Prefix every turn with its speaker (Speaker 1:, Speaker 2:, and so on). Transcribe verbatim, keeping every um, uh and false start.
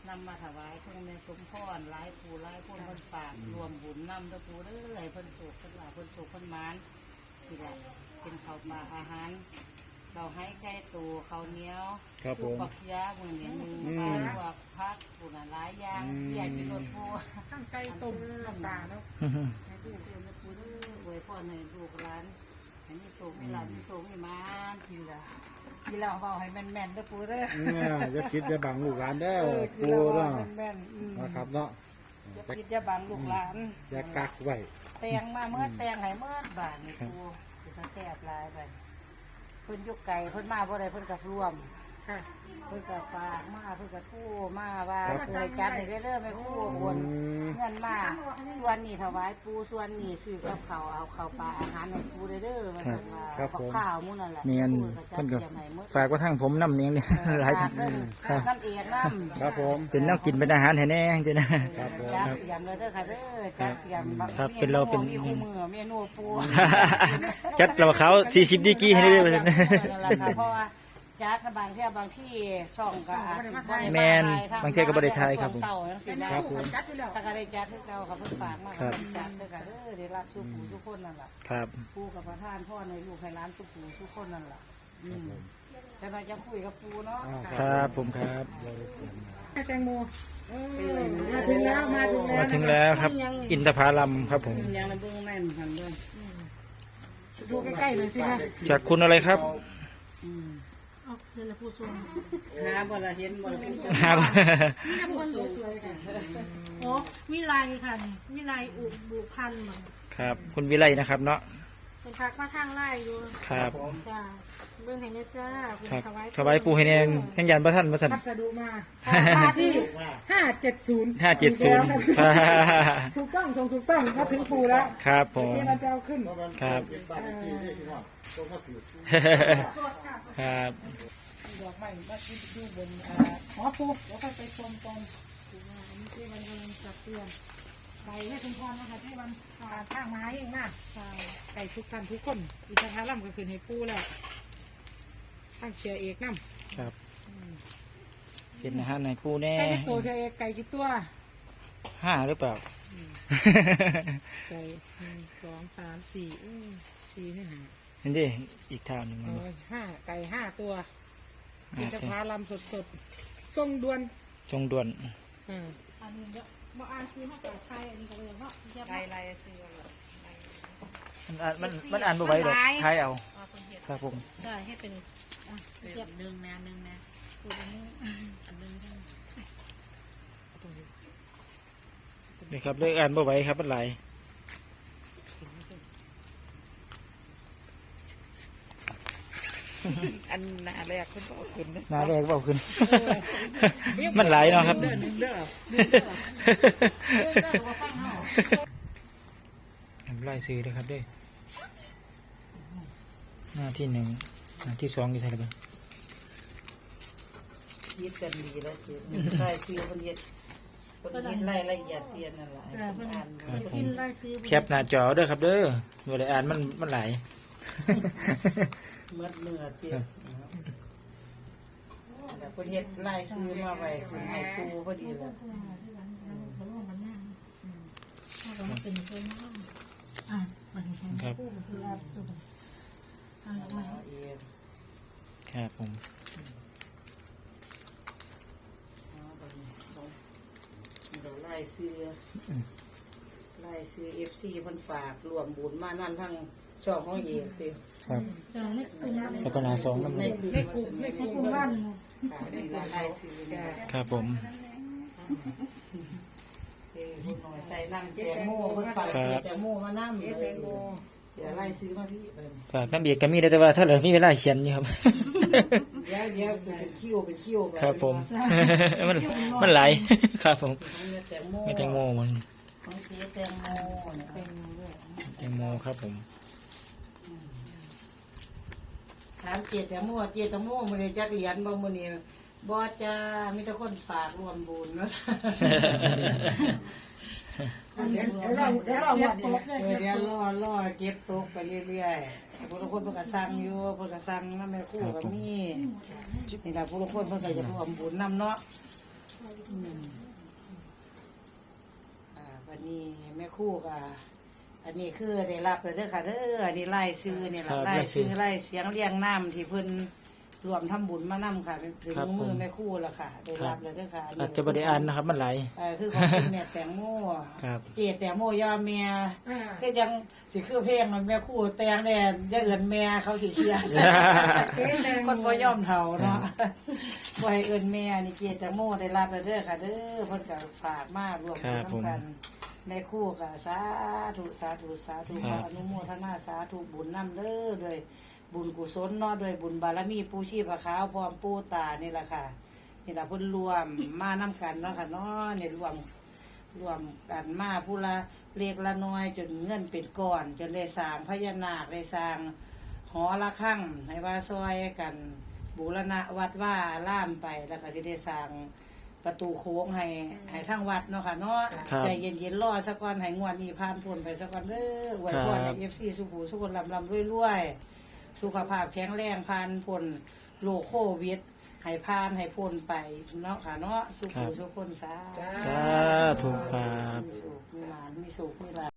Speaker 1: นำมาถวายเพื่อในสมพรหลายผู้หลายคนคนฝากรวมบุญนำตะปูเด้อให้เพิ่นสุขเพิ่นหลาเพิ่นสุขเพิ่นมานที่ละเป็นข้าวปลาอาหารเราให้ไก่ตูข้าวเหนียวสุกปักยามือเหนียวมือปลาลวกพักปูน่ะหลายอย่างใหญ่เป็นรถปูทั้งไก่ต้มน้ำตาแล้วให้ลูกเรียนตะปูเด้อไว้พ่อในลูกร้านอันนี้สูงไม่หลับสูงไม่มานทีละทีละเบาให้แม่นแม่นตะปูเด้อ
Speaker 2: เนี่ยจะคิดจะบังลูกหลานได้ปูเนาะนะครับเนาะ
Speaker 1: จะคิดจะบังลูกหลาน
Speaker 2: จะกักไว้
Speaker 1: แตงมาเมื่อแตงให้เมื่อบานนี่ปูจะแซ่บลายไปเพิ่นยุกไก่เพิ่นมาบ่ได้เพิ่นกับรวมเพิ่นกับฝากมาเพิ่นกับกู้มาว่าปูให้จัดให้เรื่อยๆไม่กู้วนเงินมาส่วนนี้ถวายปูส่วนนี้ซื้อกับเขาเอาข้าวปลาอาหารให้ปูเด้อมาสั่งว่าข้าวมุ่นนั่นแหละ
Speaker 3: เนียนเพิ่นก็ฝากว่าทางผมน้ำเนียงเนี่ยหลายทาง
Speaker 1: ครับน้ำเอียดน้ำ
Speaker 2: ครับผม
Speaker 3: เป็นน้ำกินเป็นอาหารแท้แน่จริง
Speaker 1: นะครับจัดเตรียมเลยเด้อค่ะเด้อจัดเตรียม
Speaker 3: ครับเป็นเราเป็น
Speaker 1: มีคู่มือเมนูปู
Speaker 3: จัดเราเขาสี่สิบดีกีให้ได้เลย
Speaker 1: เพราะว่าจัดบางที่บางที่ช่องก็
Speaker 3: แมนบางทีก็บริไทยครับผม
Speaker 1: ครับผมถ้าก็ได้จัดที่เราครับเพิ่นฝากมาครับจัดเด้อค่ะเด้อได้รับสุขทุกคนนั่นแหละ
Speaker 3: ครับ
Speaker 1: ปูกับประธานพ่อในลูกให้ร้านสุขทุกคนนั่นแหละแต่เราจะคุยกับปูเนาะ
Speaker 3: ครับผมครับ
Speaker 1: แตงโมมาถึงแล้วมาถึงแล้ว
Speaker 3: มาถึงแล้วครับอินทผลัมครับผม
Speaker 1: ยังในเบื้องแน่นทันด้วยดูใกล้ๆเลยสิคะ
Speaker 3: จากคุณอะไรครับ
Speaker 1: เดี๋ยวผู้ชมหาบ่ละเห็นบ่ละผู้ชม
Speaker 3: หาบ่
Speaker 1: มีแต่คนสวยๆค่ะ
Speaker 4: โอ้วิไลค่ะวิไลอุบุพันธ์เหมือน
Speaker 3: ครับคุณวิไลนะครับเนาะ
Speaker 4: เป็นพักมาทางไล่อยู่
Speaker 3: ครับ
Speaker 4: จ้าเบื้องไหนเนี่ยจ้า
Speaker 3: ถวายถวายปูให้แนงแห่งยันพระท่านพระสัน
Speaker 1: พัสดุมามาที่ห้าเจ็ดศูนย์
Speaker 3: ห้าเจ็ดศูนย์
Speaker 1: ถูกต้องส่งถูกต้องมาถึงปูแล้ว
Speaker 3: ครับผม
Speaker 1: เราจะเอาขึ้น
Speaker 3: ครับครับ
Speaker 1: ดอกไม้มาที่ดูบนหอปูแล้วก็ไปชมตรงอันนี้ที่วันกำลังจัดเตรียมไปให้คุณพ่อนะคะที่วันข้างไม้เองนะไก่ทุกท่านทุกคนอินทผลัมก็คือให้ปูแล้วตั้งเสียเอกน้
Speaker 3: ำครับเป็นอาหารในปูแน่
Speaker 1: ไก่ตัวเสียเอกไก่กี่ตัว
Speaker 3: ห้าหรือเปล่า
Speaker 1: ไก่หนึ่งสองสามสี่สี่นี่หา
Speaker 3: เห็นดิอีกทางหนึ่ง
Speaker 1: ห้าไก่ห้าตัวอินทผลัมสดๆทรงด่วน
Speaker 3: ทรงด่วน
Speaker 4: อันนี้เยอะมาอ่านซื้อมาจากไทยอันนี้ก็เลยเนาะ
Speaker 1: ไก่ลายซื้อ
Speaker 3: มันมันอ่านบ่ไหวหรอกไทยเอาครับผม
Speaker 4: ใช่ให้เป็นเทียบหนึ่งนะหนึ่งนะตัวนี้อันหนึ่ง
Speaker 3: นี่ครับเลยอ่านบ่ไหวครับมันไหล
Speaker 1: อันนาแรกคุณบอกขึ้น
Speaker 3: นาแรกบอกขึ้นมันไหลเนาะครับไล่ซื้อเลยครับด้วยหน้าที่หนึ่งหน้าที่สองกี่เท่าไหร่บ้าง
Speaker 1: ยึดกันดีแล้วจีไล่ซื้อคนยึดคนยึดไล่ละเอียดเตียนอะไร
Speaker 3: แคปหน้าจอเด้อครับเด้อเวลาอ่านมันมันไหล
Speaker 1: เมื่อเมื่อเตียนแต่คนยึดไล่ซื้อมาไว้คือให้ปูพอดีเลย
Speaker 3: ครับครับผม
Speaker 1: ไล่ซื้อไล่ซื้อเอฟซีมันฝากรวมบุญมานั่นทั้งช่องของเอกสิ
Speaker 3: ครับแล้วก็นาสองน้ำใน
Speaker 1: ในกลุ่มในกลุ่มบ้านไล่ซื้อ
Speaker 3: ครับผม
Speaker 1: ใส่น้ำแตงโมเพิ่งฝากแตงโมมาน้ำแตงโมเดี๋ยวไล่ซื้อมาพี่
Speaker 3: ฝากน้ำเบียร์ก็มีแต่ว่าถ้าเหลือมีเวลาเขียนอยู่ครับ
Speaker 1: เดี๋ยวเดี๋ยวเป็นคิวเป็นคิว
Speaker 3: ครับผมมันมันไหลครับผมไม่แตงโมมัน
Speaker 1: แตงโมแตงโมด้วย
Speaker 3: แตงโมครับผม
Speaker 1: ถามเจี๊ยแตงโมเจี๊ยแตงโมมันเลยจักเหรียญบ่มื้อนี้บ่จ้ามีแต่คนฝากรวมบุญเนาะเดี๋ยวรอเดี๋ยวรอเดี๋ยวรอรอเก็บตกไปเรื่อยๆผู้ทุกคนเพิ่นก็สั่งอยู่เพิ่นก็สั่งนำแม่ครูก็มีนี่ล่ะผู้ทุกคนเพิ่นก็จะรวมบุญนำเนาะอืมอ่าวันนี้แม่ครู่ก็อันนี้คือได้รับเลยเด้อค่ะเด้ออันนี้ไล่ซื้อนี่แหละไล่ซื้อไล่เสียงเรียงน้ำที่เพิ่นรวมทำบุญมานํค่ะถึงมือแม่ครู่แล้วค่ะได้รับเลยเด้อค่ะ
Speaker 3: อาจจะบ่ได้อ่านนะครับมันหลาย
Speaker 1: เออคือของคุณแม่แตงโม
Speaker 3: ครับ
Speaker 1: เจแตงโมยอมเมียคือยังสิคือเพลงมันแม่ครู่แตงแดนจะเอิ้นแม่เขาสิเครียด คนบ่ยอมเฒ่าเนาะบ่ให้เอิ้นแม่นี่เจแตงโมได้รับแล้วเด้อค่ะเด้อเพิ่นก็ฝากมารวม
Speaker 3: ครับผม
Speaker 1: กันแม่ครู่ก็สาธุสาธุสาธุขออนุโมทนาสาธุบุญนำเด้อด้วยบุญกุศลเนาะด้วยบุญบารมีปู่ชีพขาวพร้อมปู่ตานี่ล่ะค่ะนี่ล่ะเพิ่นรวมมานํกันเนาะค่ะเนาะนี่รวมรวมกันมาผู้ละเล็กละน้อยจนเงินเป็นก้อนจนได้สร้างพญานาคได้สร้าง หอละคั่งให้ว่าซอยกันบูรณะวัดว่าล่ามไปแล้วก็สิได้สร้างประตูโค้งให้ให้ทั้งวัดเนาะค่ะเนาะ
Speaker 3: ครับ
Speaker 1: ใจเย็นๆรอสักก่อนให้งวดนี้ผ่านพ้นไปสักก่อนเด้ออวยพรให้ เอฟ ซี สุขูสุขคนลำลำรวยๆสุขภาพแข็งแรงผ่านพ้นโรคโควิดให้ผ่านให้พ้นไปเนาะค่ะเนาะสุขูสุขคนสาธุ
Speaker 3: สาธุครับ
Speaker 1: มีสุขมีหลานมีสุขมีหลาน